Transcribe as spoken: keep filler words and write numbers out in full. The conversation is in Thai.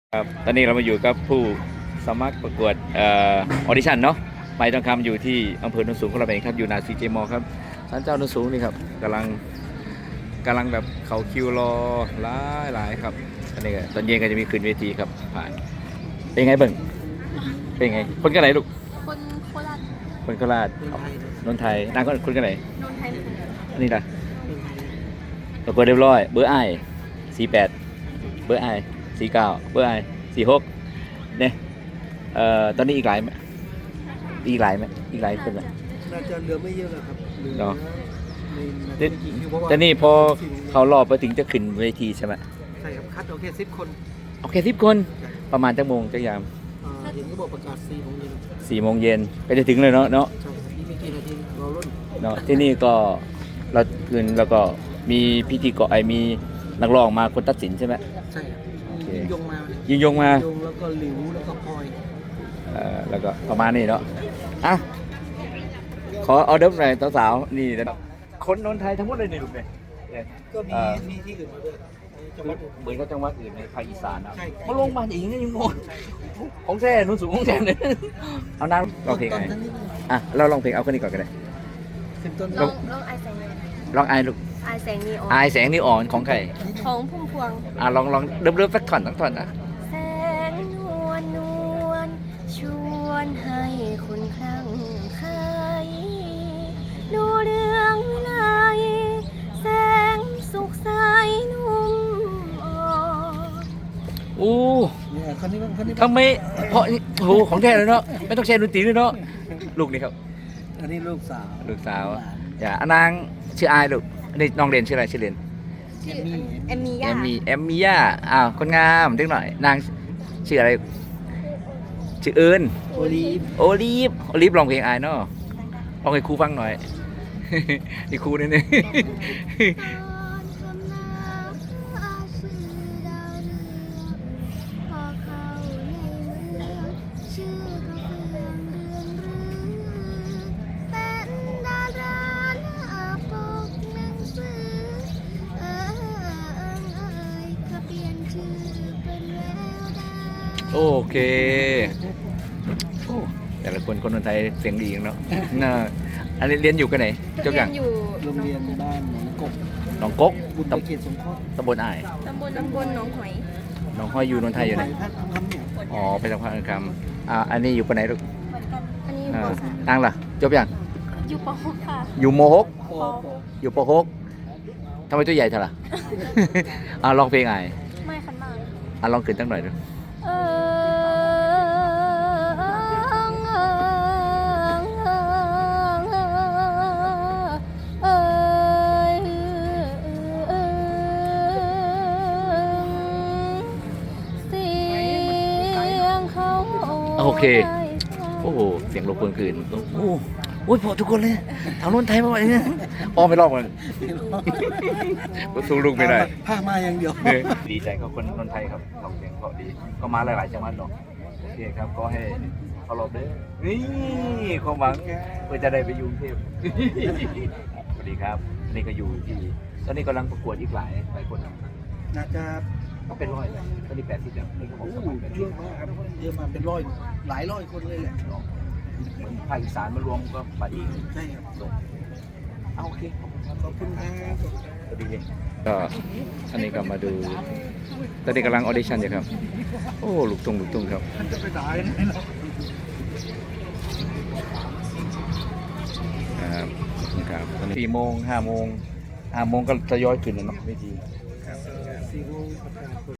ครับตอนนี้เรามาอยู่กับผู้สมัครประกวดเออดิชั่นเนาะไม้ทองคำอยู่ที่อำเภอโนนสูงของเราเองครับอยู่นาซีเจมอครับศาลเจ้าโนนสูงนี่ครับกำลังกำลังแบบเขาคิวรอหลายหลายครับอันนี้ก็ตอนเย็นก็จะมีขึ้นเวทีครับผ่านเป็นไงเบิ่งเป็นไงคนกันไหนลูกคนโคราชคนโคราชนนไทยนางคนกันไหนนนไทยอันนี้ล่ะประกวดเรียบร้อยเบอร์ไอสี่แปดเบอร์ไอสี่เก้าเบอร์ไอสี่หกเนี่ยเอ่อตอนนี้อีกหลายไหมอีกหลายไหมอีกหลายคนไหมน่าจะเหลือไม่เยอะแล้วครับเหลือในแต่นี่พอเขารอบไปถึงจะขึ้นเวทีใช่ไหมใช่ครับคัดเอาแค่สิบคนโอเคสิบคนประมาณจักโมงจักยามเห็นก็บอกประกาศสี่โมงเย็นสี่โมงเย็นก็จะถึงเลยเนาะเนาะใช่นี่มีกี่นาทีเราลุ้นเนาะที่นี่ก็เราคืนแล้วก็มีพิธีกรไอมีนักร้องมาคนตัดสินใช่ไหมใช่ยิงยงมายิงยงมายงแล้วก็หลิวแล้วก็พลอยเอ่อแล้วก็ประมาณนี้เนาะอ่ะขอเอาเดิมหน่อยสาวๆนี่นะคนนนไทยทั้งหมดเลยนี่ลูกเนี่ยก็มีมีที่อื่นมาด้วยเหมือนกับจังหวัดอื่นในภาคอีสานนะมาลงมาอย่างนี้ยังงงของแท้นุ่นสูงของแท้เนี่ยเอาน้ำลองเพลงไงอ่ะเราลองเพลงเอาคนนี้ก่อนก็ได้ลองลองไอแสงลองไอลูกไอแสงนีออนไอแสงนีอ่อนของใครของพุ่มพวงอ่ะลองลองเริ่มเริ่มสักท่อนสักท่อนนะแสงนวลนวลชวนให้คนคลั่งไคล้ดูเรื่องวิไลแสงสุขใสนุ่มอ่อนโอ้คนนี้คนนี้ทำไมเพราะโอ้โหของแท้เลยเนาะไม่ต้องแชร์ดนตรีด้วยเนาะลูกนี่ครับอันนี้ลูกสาวลูกสาวอย่านางชื่ออายลูกอันนี้น้องเรียนชื่ออะไรชื่อเรียนเอมมี่เอมมี่เอมมี่ย่าอ้าวคนงามเล็กหน่อยนางชื่ออะไรชื่อเอิญโอลีฟโอลีฟโอลีฟลองเพลงอายเนาะลองให้ครูฟังหน่อยนี่ครูนี่นี่โอเคแต่ละคนคนคนไทยเสียงดีเนาะน่าอันนี้เรียนอยู่กันไหนเจ้าอย่างอยู่โรงเรียนบ้านหนองกบหนองกกบุญเกียรติสงเคราะห์ตำบลอ้ายตำบลตำบลหนองหอยหนองหอยอยู่นนทไทยอยู่ไหนอ๋อไปทางภาคกลางอ่าอันนี้อยู่ปไหนลูกอันนี้อยู่ป.สามนางล่ะจบยังอยู่ป.หกค่ะอยู่ม.หกอยู่ป.หกทำไมตัวใหญ่เท่าล่ะอ่าลองเพลงอ้ายไม่คันมากอ่าลองขึ้นตั้งหน่อยดูโอเคโอ้โหเสียงรบกวนคืนโอ้โหพอทุกคนเลยทางโน้นไทยมาเนี่ยอ้อไม่รอบกันก็สู้ลูกไม่ได้ผ้ามาอย่างเดียวดีใจกับคนนนไทยครับทำเสียงเพราะดีก็มาหลายๆจังหวัดเนาะโอเคครับก็ให้เขารอบด้วยนี่ความหวังเพื่อจะได้ไปอยู่กรุงเทพสวัสดีครับนี่ก็อยู่ที่ตอนนี้กำลังประกวดอีกหลายหลายคนน่าจะก็เป็นร้อยเลยตอนนี้แปดสิบแล้วนี่ก็บอกว่าเยอะมากครับเยอะมาเป็นร้อยหลายร้อยคนเลยแหละเหมือนภาคอีสานมารวมก็ไปอีกใช่ครับเอาโอเคขอบคุณครับสวัสดีก็อันนี้ก็มาดูตอนนี้กำลังออดิชั่นอยู่ครับโอ้ลูกทุ่งลูกทุ่งครับจะไปตายไหมเนาะครับครับตอนนี้สี่โมงห้าโมงห้าโมงก็ทยอยขึ้นแล้วเนาะไม่ดีสี่โมงประกาศ